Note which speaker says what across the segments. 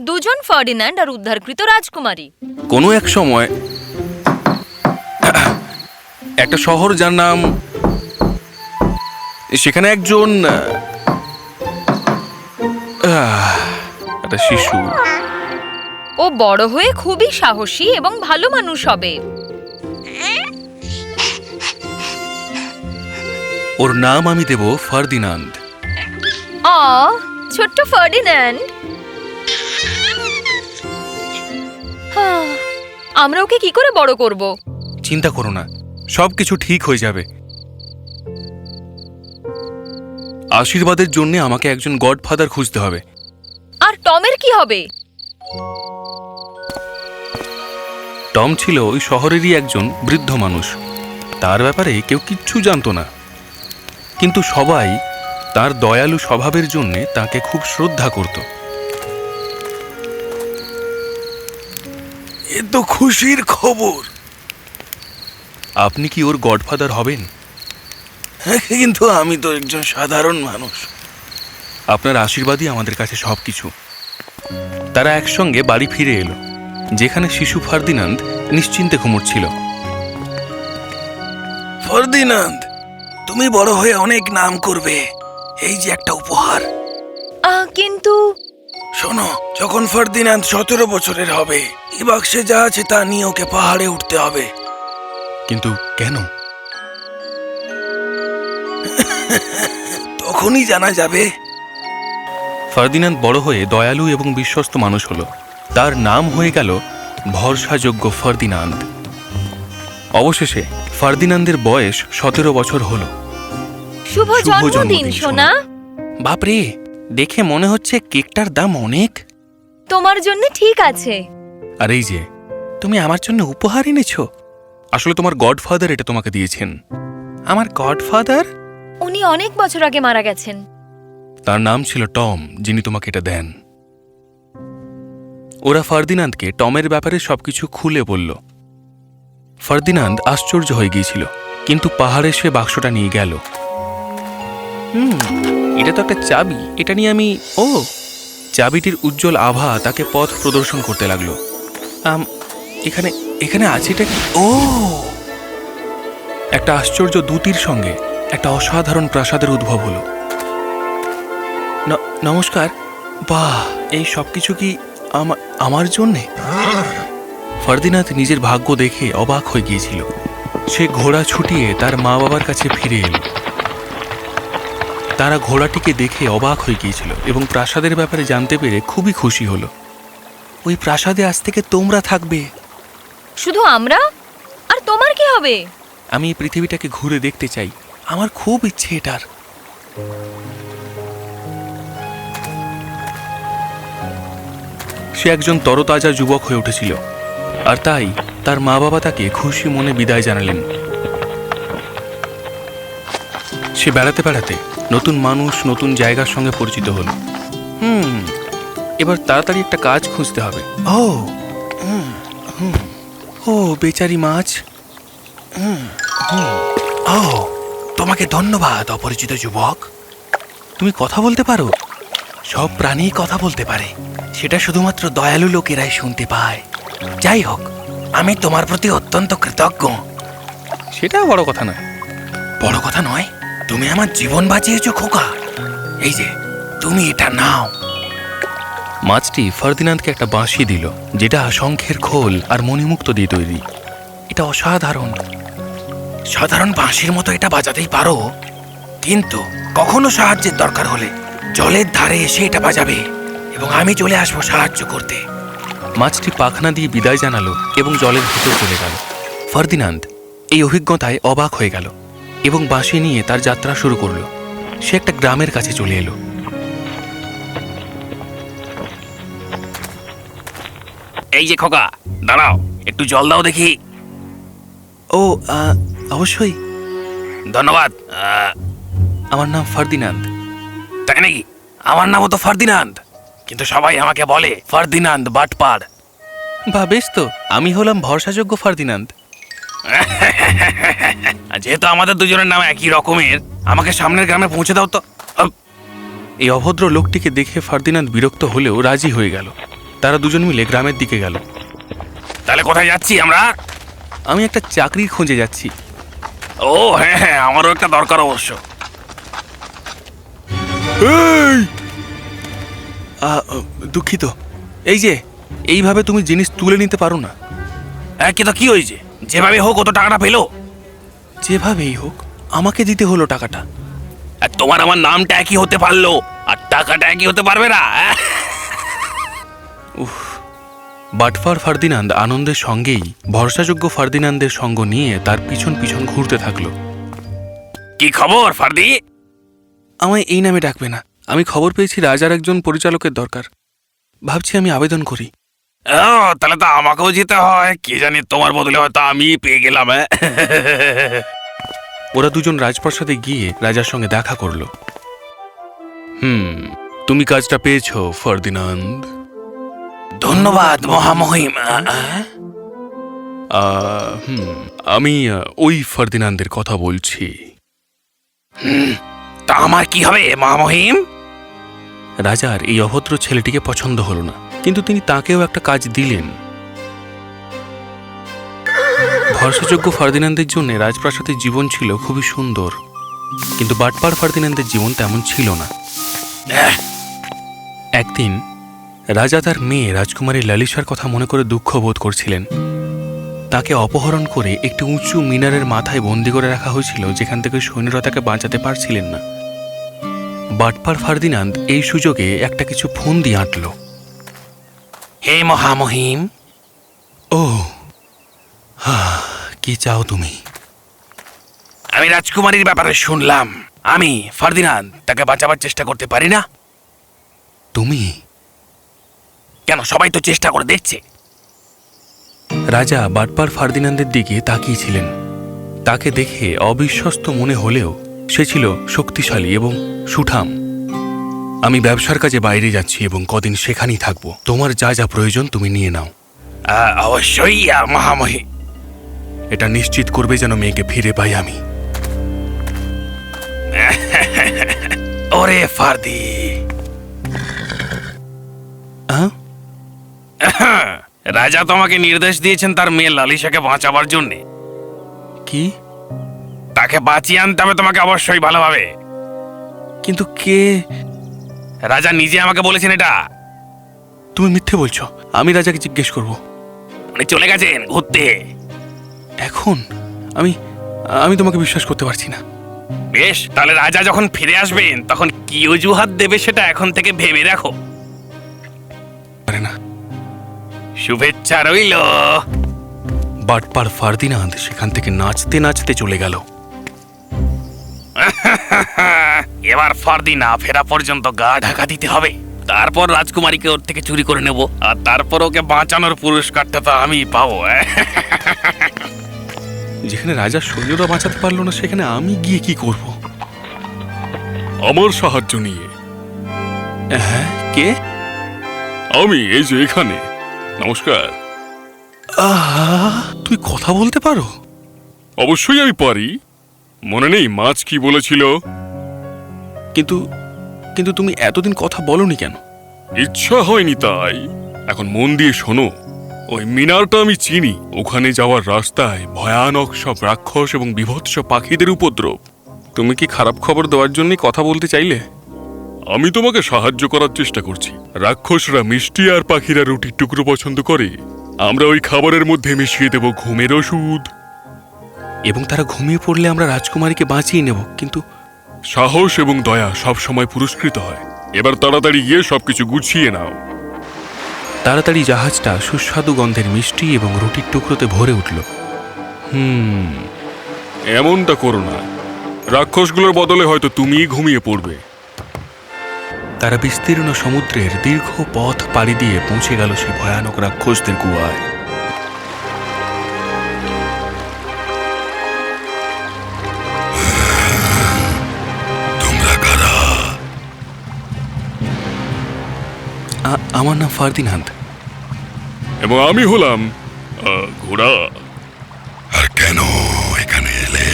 Speaker 1: দুজন ফার্ডিন্যান্ড আর উদ্ধারকৃত রাজকুমারী।
Speaker 2: কোনো এক সময় একটা শহর, যার নাম, সেখানে একজন একটা শিশু।
Speaker 1: ও বড় হয়ে খুবই সাহসী এবং ভালো মানুষ হবে।
Speaker 2: ওর নাম আমি দেব ফার্দিনান্দ।
Speaker 1: ছোট্ট ফার্ডিন্যান্ড। আমরা ওকে কি করে বড় করব?
Speaker 2: চিন্তা করো না, সবকিছু ঠিক হয়ে যাবে। আশীর্বাদের জন্য আমাকে একজন গডফাদার খুঁজতে হবে।
Speaker 1: আর টমের কি হবে?
Speaker 2: টম ছিল ওই শহরেরই একজন বৃদ্ধ মানুষ। তার ব্যাপারে কেউ কিচ্ছু জানতো না, কিন্তু সবাই তার দয়ালু স্বভাবের জন্য তাকে খুব শ্রদ্ধা করত। এ তো খুশির খবর। আপনি কি ওর গডফাদার হবেন? কিন্তু আমি তো একজন সাধারণ মানুষ। আপনার আশীর্বাদই আমাদের কাছে সবকিছু। তারা একসঙ্গে বাড়ি ফিরে এলো, যেখানে শিশু ফার্দিনান্দ নিশ্চিন্তে ঘুমোচ্ছিল। ফার্দিনান্দ, তুমি বড় হয়ে অনেক নাম করবে। এই যে একটা উপহার।
Speaker 1: কিন্তু
Speaker 2: শোনো, যখন ফার্দিনান্দ 17 বছরের হবে, এই বাক্সে যা আছে তা নিয়ে ওকে পাহাড়ে উঠতে হবে। কিন্তু কেন? তখনই জানা যাবে। ফার্দিনান্দ বড় হয়ে দয়ালু এবং বিশ্বস্ত মানুষ হলো। তার নাম হয়ে গেল ভরসাযোগ্য ফার্দিনান্দ। অবশেষে ফার্দিনান্দের বয়স 17 বছর হলো।
Speaker 1: শুভ জন্মদিন সোনা।
Speaker 2: বাপরে, দেখে মনে হচ্ছে কেকটার দাম অনেক।
Speaker 1: তোমার জন্য ঠিক আছে।
Speaker 2: আর এই যে, তুমি আমার জন্য উপহার এনেছো। আসলে তোমার গডফাদার এটা তোমাকে দিয়েছেন। আমার গডফাদার?
Speaker 1: উনি অনেক বছর আগে মারা গেছেন।
Speaker 2: তার নাম ছিল টম, যিনি তোমাকে এটা দেন। ওরা ফার্দিনান্দকে টমের ব্যাপারে সবকিছু খুলে বলল। ফার্দিনান্দ আশ্চর্য হয়ে গিয়েছিল, কিন্তু পাহাড়ে সে বাক্সটা নিয়ে গেল। এটা তো একটা চাবি। এটা নিয়ে আমি চাবিটির উজ্জ্বল আভা তাকে পথ প্রদর্শন করতে লাগলো। এখানে এখানে আছে এটা কি? একটা আশ্চর্য দূতির সঙ্গে একটা অসাধারণ প্রাসাদের উদ্ভব হলো। নমস্কার। বাহ, এই সবকিছু কি আমার জন্যে? ফার্দিনান্দ নিজের ভাগ্য দেখে অবাক হয়ে গিয়েছিল। সে ঘোড়া ছুটিয়ে তার মা বাবার কাছে ফিরে এলো। তারা ঘোড়াটিকে দেখে অবাক হয়ে গিয়েছিল এবং প্রাসাদের ব্যাপারে জানতে পেরে খুবই খুশি হলো। ওই প্রাসাদে আজ থেকে তোমরা থাকবে।
Speaker 1: শুধু আমরা? আর তোমার কি হবে?
Speaker 2: আমি এই পৃথিবীটাকে ঘুরে দেখতে চাই। আমার খুব ইচ্ছে এটার। সে একজন তরতাজা যুবক হয়ে উঠেছিল, আর তাই তার মা বাবা তাকে খুশি মনে বিদায় জানালেন। সে বেড়াতে বেড়াতে নতুন মানুষ, নতুন জায়গার সঙ্গে পরিচিত হল। এবার তাড়াতাড়ি একটা কাজ খুঁজতে হবে। বেচারি মাছ। তোমাকে ধন্যবাদ, অপরিচিত যুবক। তুমি কথা বলতে পারো? সব প্রাণী কথা বলতে পারে, সেটা শুধুমাত্র দয়ালু লোকেরাই শুনতে পায়। যাই হোক, আমি তোমার প্রতি অত্যন্ত কৃতজ্ঞ। সেটা বড় কথা নয়। বড় কথা নয়? তুমি আমার জীবন বাঁচিয়েছো খোকা। এই যে, তুমি এটা নাও। মাছটি ফার্দিনান্দকে একটা বাঁশি দিল, যেটা শঙ্খের খোল আর মণিমুক্ত দিয়ে তৈরি। এটা অসাধারণ। সাধারণ বাঁশির মতো এটা বাজাতেই পারো, কিন্তু কখনো সাহায্যের দরকার হলে জলের ধারে এসে এটা বাজাবে এবং আমি চলে আসবো সাহায্য করতে। মাছটি পাখনা দিয়ে বিদায় জানালো এবং জলের ভিতর চলে গেল। ফার্দিনান্দ এই অভিজ্ঞতায় অবাক হয়ে গেল এবং বাঁশি নিয়ে তার যাত্রা শুরু করল। সে একটা গ্রামের কাছে চলে এলো। এই যে খোকা, দাঁড়াও, একটু জল দাও দেখি। অবশ্যই। ধন্যবাদ। আমার নাম ফার্দিনান্দ। তাই নাকি? আমার নামও তো ফার্দিনান্দ, কিন্তু সবাই আমাকে বলে ফার্দিনান্দ বাটপার। বা বেশ তো, আমি হলাম ভরসাযোগ্য ফার্দিনান্দ। যেহেতু আমাদের দুজনের নাম একই রকমের, আমাকে সামনের গ্রামে পৌঁছে দাও তো। এই অভদ্র লোকটিকে দেখে ফার্দিনান্দ বিরক্ত হলেও রাজি হয়ে গেল। তারা দুজন মিলে গ্রামের দিকে গেল।
Speaker 3: তাহলে কোথায় যাচ্ছি আমরা?
Speaker 2: আমি একটা চাকরির খোঁজে যাচ্ছি।
Speaker 3: ও হ্যাঁ হ্যাঁ, আমারও একটা দরকার অবশ্য।
Speaker 2: এই! দুঃখিত, এই যে এইভাবে তুমি জিনিস তুলে নিতে পারো না।
Speaker 3: কিন্তু কি হয়েছে? যেভাবে হোক ও তো টাকাটা পেলো।
Speaker 2: যেভাবেই হোক আমাকে দিতে হলো টাকাটা।
Speaker 3: আর তোমার আমার নামটা একই হতে পারলো, আর টাকাটা একই হতে পারবে না?
Speaker 2: বাটফার ফার্দিনান্দ আনন্দের সঙ্গেই ভরসাযোগ্য ফার্দিনান্দের সঙ্গ নিয়ে তার পিছন পিছন ঘুরতে থাকলো।
Speaker 3: কি খবর ফার্দি?
Speaker 2: আমায় এই নামে ডাকবে না। আমি খবর পেয়েছি রাজার একজন পরিচালকের দরকার। ভাবছি আমি আবেদন করি।
Speaker 3: ও তাহলে তো আমাকেও যেতে হয়। কি জানি, তোমার বদলে হয়তো আমি পেয়ে গেলাম।
Speaker 2: ওরা দুজন রাজপ্রাসাদে গিয়ে রাজার সঙ্গে দেখা করল। তুমি কাজটা পেয়েছো ফার্দিনান্দ।
Speaker 3: ধন্যবাদ মহামহিম।
Speaker 2: আমি ওই ফার্দিনান্দের কথা বলছি।
Speaker 3: তা আমার কি হবে মহামহিম?
Speaker 2: রাজার এই অভদ্র ছেলেটিকে পছন্দ হলো না, কিন্তু তিনি তাকেও একটা কাজ দিলেন। ভরসাযোগ্য ফার্দিনান্দের জন্য রাজপ্রাসাদের জীবন ছিল খুবই সুন্দর, কিন্তু বাটপার ফার্দিনান্দের জীবন তেমন ছিল না। একদিন রাজা তার মেয়ে রাজকুমারী লালিসার কথা মনে করে দুঃখ বোধ করছিলেন। তাকে অপহরণ করে একটি উঁচু মিনারের মাথায় বন্দি করে রাখা হয়েছিল, যেখান থেকে সৈন্যরা তাকে বাঁচাতে পারছিলেন না। বাটপার ফার্দিনান্দ এই সুযোগে একটা কিছু ফোন দিয়ে আঁটল।
Speaker 3: হে মহামহিম।
Speaker 2: ও কি চাও তুমি?
Speaker 3: আমি রাজকুমারীর ব্যাপারে শুনলাম। আমি ফার্দিনান্দ তাকে বাঁচাবার চেষ্টা করতে পারি না।
Speaker 2: তুমি?
Speaker 3: কেন, সবাই তো চেষ্টা করে দেখছে।
Speaker 2: রাজা বাটপার ফার্দিনান্দের দিকে তাকিয়েছিলেন। তাকে দেখে অবিশ্বস্ত মনে হলেও সে ছিল শক্তিশালী এবং সুঠাম। আমি ব্যবসার কাজে বাইরে যাচ্ছি এবং কদিন সেখানেই থাকবো। তোমার যা যা প্রয়োজন তুমি নিয়ে নাও।
Speaker 3: অবশ্যই মহামহিম।
Speaker 2: এটা নিশ্চিত করবে যেন মেয়েকে ফিরে পাই আমি।
Speaker 3: ওরে ফার্দি, রাজা তোমাকে নির্দেশ দিয়েছেন তার মেয়ে লালিসাকে বাঁচাবার জন্য।
Speaker 2: কি?
Speaker 3: তাকে বাঁচিয়ে আনতে হবে তোমাকে অবশ্যই ভালোভাবে।
Speaker 2: কিন্তু কে?
Speaker 3: রাজা নিজে আমাকে বলেছেন এটা।
Speaker 2: তুমি মিথ্যে বলছো। আমি রাজাকে জিজ্ঞেস করব।
Speaker 3: উনি চলে গেছেন ঘুরতে।
Speaker 2: এখন আমি আমি তোমাকে বিশ্বাস করতে পারছি না।
Speaker 3: বেশ, তাহলে রাজা যখন ফিরে আসবেন তখন কি অজুহাত দেবে সেটা এখন থেকে ভেবে রাখো।
Speaker 2: পারে না।
Speaker 3: শুভেচ্ছা রইল।
Speaker 2: বাটপার ফার্দিনান্দ সেখান থেকে নাচতে নাচতে চলে গেল।
Speaker 3: এবার ফার্দি না ফেরা পর্যন্ত গা ঢাকা দিতে হবে। তারপর রাজকুমারীকে ওর থেকে চুরি করে নেব, আর তারপর ওকে বাঁচানোর পুরস্কারটা তো আমি পাবো।
Speaker 2: যেখানে রাজা সৈন্যরা বাঁচাতে পারলো না, সেখানে আমি গিয়ে কি করব?
Speaker 4: আমার সাহায্য নিয়ে।
Speaker 2: হ্যাঁ, কে?
Speaker 4: আমি এই যে এখানে। নমস্কার।
Speaker 2: তুই কথা বলতে পারো?
Speaker 4: অবশ্যই আমি পারি। মনে নেই মাছ কি বলেছিল?
Speaker 2: কিন্তু কিন্তু তুমি এতদিন কথা বলনি কেন?
Speaker 4: ইচ্ছা হয়নি তাই। এখন মন দিয়ে শোনো। ওই মিনারটা আমি চিনি। ওখানে যাওয়ার রাস্তায় ভয়ানক সব রাক্ষস এবং বিভৎস পাখিদের উপদ্রব।
Speaker 2: তুমি কি খারাপ খবর দেওয়ার জন্য কথা বলতে চাইলে?
Speaker 4: আমি তোমাকে সাহায্য করার চেষ্টা করছি। রাক্ষসরা মিষ্টি আর পাখিরা রুটির টুকরো পছন্দ করে। আমরা ওই খাবারের মধ্যে মিশিয়ে দেব ঘুমের ওষুধ,
Speaker 2: এবং তারা ঘুমিয়ে পড়লে আমরা রাজকুমারীকে বাঁচিয়ে নেব। কিন্তু
Speaker 4: সাহস এবং দয়া সব সময় পুরস্কৃত হয়। এবার তাড়াতাড়ি গিয়ে সবকিছু গুছিয়ে নাও।
Speaker 2: তাড়াতাড়ি জাহাজটা সুস্বাদু গন্ধের মিষ্টি এবং রুটির টুকরোতে ভরে উঠল।
Speaker 4: এমনটা করো না। রাক্ষসগুলোর বদলে হয়তো তুমিই ঘুমিয়ে পড়বে।
Speaker 2: তারা বিস্তীর্ণ সমুদ্রের দীর্ঘ পথ পাড়ি দিয়ে পৌঁছে গেল সেই ভয়ানক রাক্ষসদের গুহায়।
Speaker 4: তোমরা কারা?
Speaker 2: আমার নাম ফার্দিনান্দ।
Speaker 4: এবং আমি হলাম ঘোড়া।
Speaker 5: আর কেন এখানে এলে?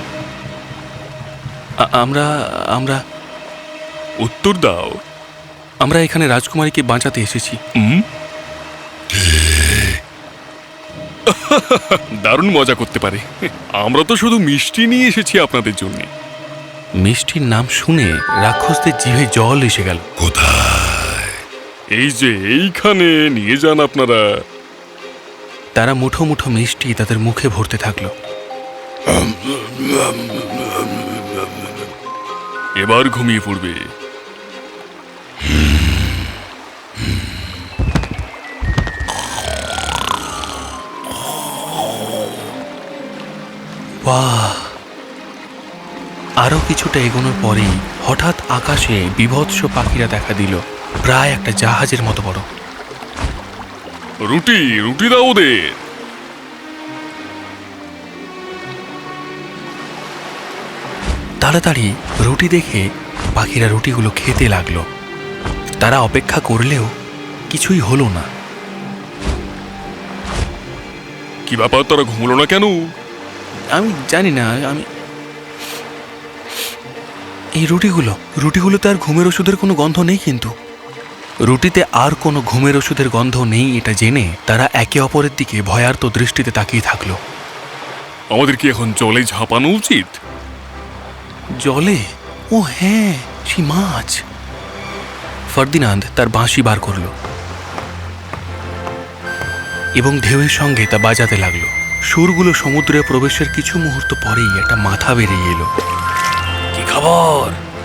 Speaker 2: আমরা
Speaker 4: উত্তর দাও।
Speaker 2: আমরা এখানে রাজকুমারীকে বাঁচাতে এসেছি।
Speaker 4: দারুণ মজা করতে পারে। আমরা তো শুধু মিষ্টি নিয়ে এসেছি আপনাদের জন্য।
Speaker 2: মিষ্টির নাম শুনে রাক্ষসদের জিভে জল এসে গেল।
Speaker 5: কোথায়?
Speaker 4: এই যে এইখানে নিয়ে যান আপনারা।
Speaker 2: তারা মুঠো মুঠো মিষ্টি তাদের মুখে ভরতে থাকলো।
Speaker 4: এবার ঘুমিয়ে পড়বে।
Speaker 2: বাহ! আরো কিছুটা এগোনোর পরেই হঠাৎ আকাশে বিভৎস পাখিরা দেখা দিল, প্রায় একটা জাহাজের মতো বড়।
Speaker 4: রুটি রুটি দাও ওদের।
Speaker 2: তাড়াতাড়ি রুটি দেখে পাখিরা রুটিগুলো খেতে লাগলো। তারা অপেক্ষা করলেও কিছুই হলো না।
Speaker 4: কি ব্যাপার, তারা ঘুমলো না কেন?
Speaker 2: আমি জানি না। এই রুটিগুলোতে আর ঘুমের ওষুধের কোনো গন্ধ নেই। কিন্তু রুটিতে আর কোনো ঘুমের ওষুধের গন্ধ নেই এটা জেনে তারা একে অপরের দিকে ভয়ার্ত দৃষ্টিতে তাকিয়ে থাকলো।
Speaker 4: আমাদের কি এখন জলে ঝাঁপানো উচিত?
Speaker 2: জলে? ও হ্যাঁ, সেই মাছ। ফার্দিনান্দ তার বাঁশি বার করল এবং ঢেউয়ের সঙ্গে তা বাজাতে লাগলো। সুরগুলো সমুদ্রে প্রবেশের কিছু মুহূর্ত পরেই একটা মাথা বেরিয়ে এলো।
Speaker 3: কি খবর?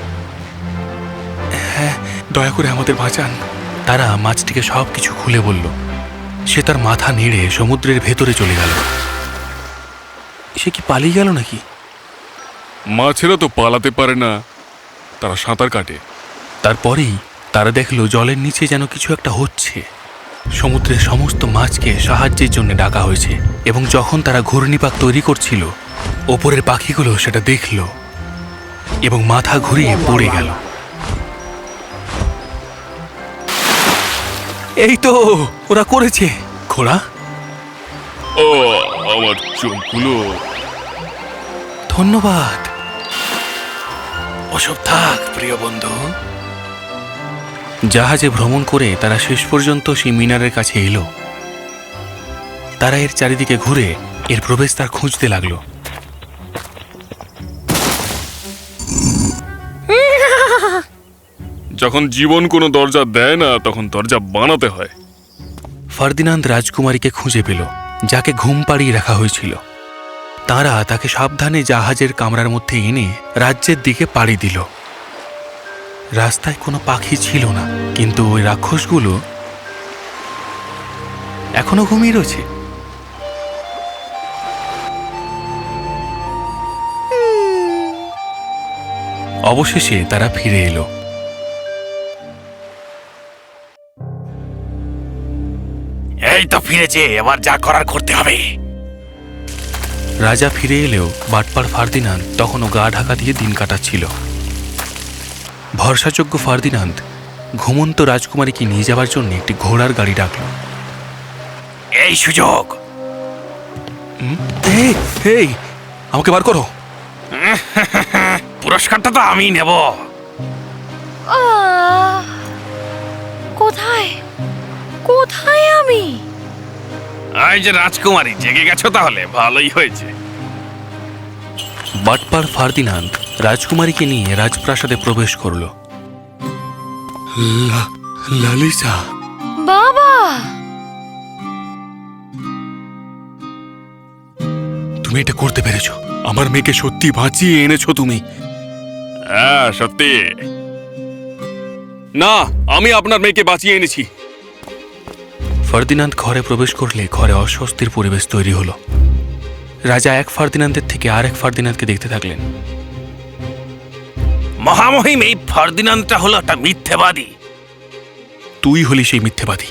Speaker 2: হ্যাঁ, দয়া করে আমাদের বাঁচান। তারা মাছটিকে সব কিছু খুলে বলল। সে তার মাথা নেড়ে সমুদ্রের ভেতরে চলে গেল। সে কি পালিয়ে গেল নাকি?
Speaker 4: মাছেরা তো পালাতে পারে না, তারা সাঁতার কাটে।
Speaker 2: তারপরেই তারা দেখলো জলের নিচে যেন কিছু একটা হচ্ছে। সমুদ্রের সমস্ত মাছকে সাহায্যের জন্য ডাকা হয়েছে এবং যখন তারা ঘূর্ণিপাক তৈরি করছিল, ওপরের পাখিগুলো সেটা দেখল এবং মাথা ঘুরিয়ে পড়ে গেল। এই তো ওরা করেছে। ঘোড়া,
Speaker 4: ও আমার চোখগুলো।
Speaker 2: ধন্যবাদ।
Speaker 3: ওসব থাক প্রিয় বন্ধু।
Speaker 2: জাহাজে ভ্রমণ করে তারা শেষ পর্যন্ত সেই মিনারের কাছে এলো। তারা এর চারিদিকে ঘুরে এর প্রবেশদ্বার খুঁজতে লাগলো।
Speaker 4: যখন জীবন কোনো দরজা দেয় না, তখন দরজা বানাতে হয়।
Speaker 2: ফার্দিনান্দ রাজকুমারীকে খুঁজে পেল, যাকে ঘুম পাড়িয়ে রাখা হয়েছিল। তারা তাকে সাবধানে জাহাজের কামরার মধ্যে এনে রাজ্যের দিকে পাড়ি দিল। রাস্তায় কোনো পাখি ছিল না, কিন্তু ওই রাক্ষসগুলো এখনো ঘুমিয়ে রয়েছে। অবশেষে তারা ফিরে এলো।
Speaker 3: এই তো ফিরেছে, এবার যা করার করতে হবে।
Speaker 2: রাজা ফিরে এলেও বাটপার ফার্দিনান্দ তখনও গা ঢাকা দিয়ে দিন কাটাচ্ছিল। ভরসাযোগ্য ফার্দিনান্দ ঘুমন্ত রাজকুমারীকে নিয়ে যাওয়ার জন্য একটি ঘোড়ার গাড়ি ডাকল।
Speaker 3: এই সুযোগ।
Speaker 2: এই, আমাকে বার করো।
Speaker 3: পুরস্কারটা তো আমি নেব।
Speaker 1: কোথায় কোথায় আমি?
Speaker 3: এই যে রাজকুমারী, জেগে গেছো তাহলে ভালোই হয়েছে।
Speaker 2: বাটপার ফার্দিনান্দ রাজকুমারীকে নিয়ে রাজপ্রাসাদে প্রবেশ করল। লালিসা,
Speaker 1: বাবা,
Speaker 2: তুমি এটা করতে পেরেছো। আমার মেয়েকে সত্যি বাঁচিয়ে এনেছো তুমি।
Speaker 4: হ্যাঁ সত্যি। না, আমি আপনার মেয়েকে বাঁচিয়ে এনেছি।
Speaker 2: ফার্দিনান্দ ঘরে প্রবেশ করলে ঘরে অস্বস্তির পরিবেশ তৈরি হলো। রাজা এক ফার্দিনান্দের থেকে আরেক ফার্দিনান্দকে দেখতে থাকলেন।
Speaker 3: মহামহিম, এই ফার্দিনান্দটা হলো একটা মিথ্যেবাদী।
Speaker 2: তুই হলি সেই মিথ্যেবাদী।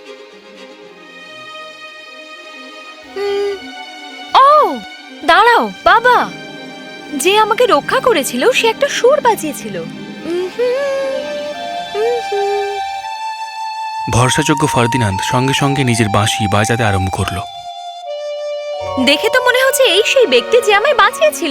Speaker 1: ও দাঁড়াও বাবা, যে আমাকে রক্ষা করেছিল সে একটা সুর বাজিয়েছিল।
Speaker 2: ভরসাযোগ্য ফার্দিনান্দ সঙ্গে সঙ্গে নিজের বাঁশি বাজাতে আরম্ভ করলো।
Speaker 1: দেখে তো মনে হচ্ছে এই সেই ব্যক্তি যে আমায় বাঁচিয়েছিল।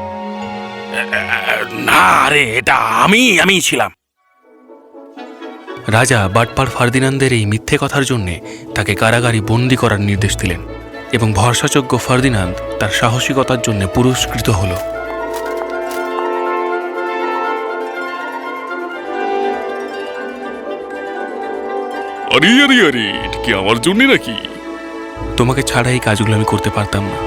Speaker 3: না রে, এটা আমি ছিলাম।
Speaker 2: রাজা বাটপার ফার্দিনান্দের এই মিথ্যে কথার জন্যে তাকে কারাগারে বন্দি করার নির্দেশ দিলেন এবং ভরসাযোগ্য ফার্দিনান্দ তার সাহসিকতার জন্য পুরস্কৃত হল।
Speaker 4: আরে আরে আরে, এটা কি আমার জন্য নাকি?
Speaker 2: তোমাকে ছাড়া এই কাজগুলো আমি করতে পারতাম না।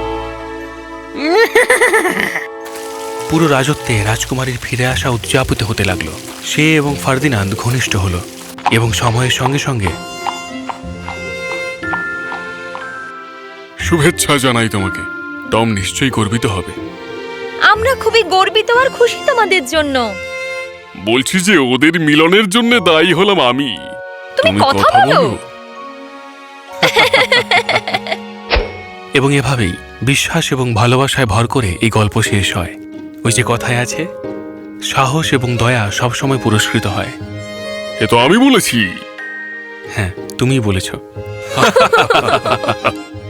Speaker 2: পুরো রাজত্বে রাজকুমারীর ফিরে আসা উদযাপিত হতে লাগলো। সে এবং ফার্দিনান্দ ঘনিষ্ঠ হলো এবং সময়ের সঙ্গে সঙ্গে
Speaker 4: শুভেচ্ছা জানাই তোমাকে। টম নিশ্চয়ই গর্বিত হবে।
Speaker 1: আমরা খুবই গর্বিত আর খুশি তোমাদের জন্য।
Speaker 4: বলছি যে ওদের মিলনের জন্য দায়ী হলাম আমি।
Speaker 1: তুমি কথা বলো।
Speaker 2: এবং এভাবেই বিশ্বাস এবং ভালোবাসায় ভর করে এই গল্প শেষ হয়। ওই যে কথায় আছে, সাহস এবং দয়া সবসময় পুরস্কৃত হয়।
Speaker 4: এ তো আমি বলেছি।
Speaker 2: হ্যাঁ, তুমিই বলেছ।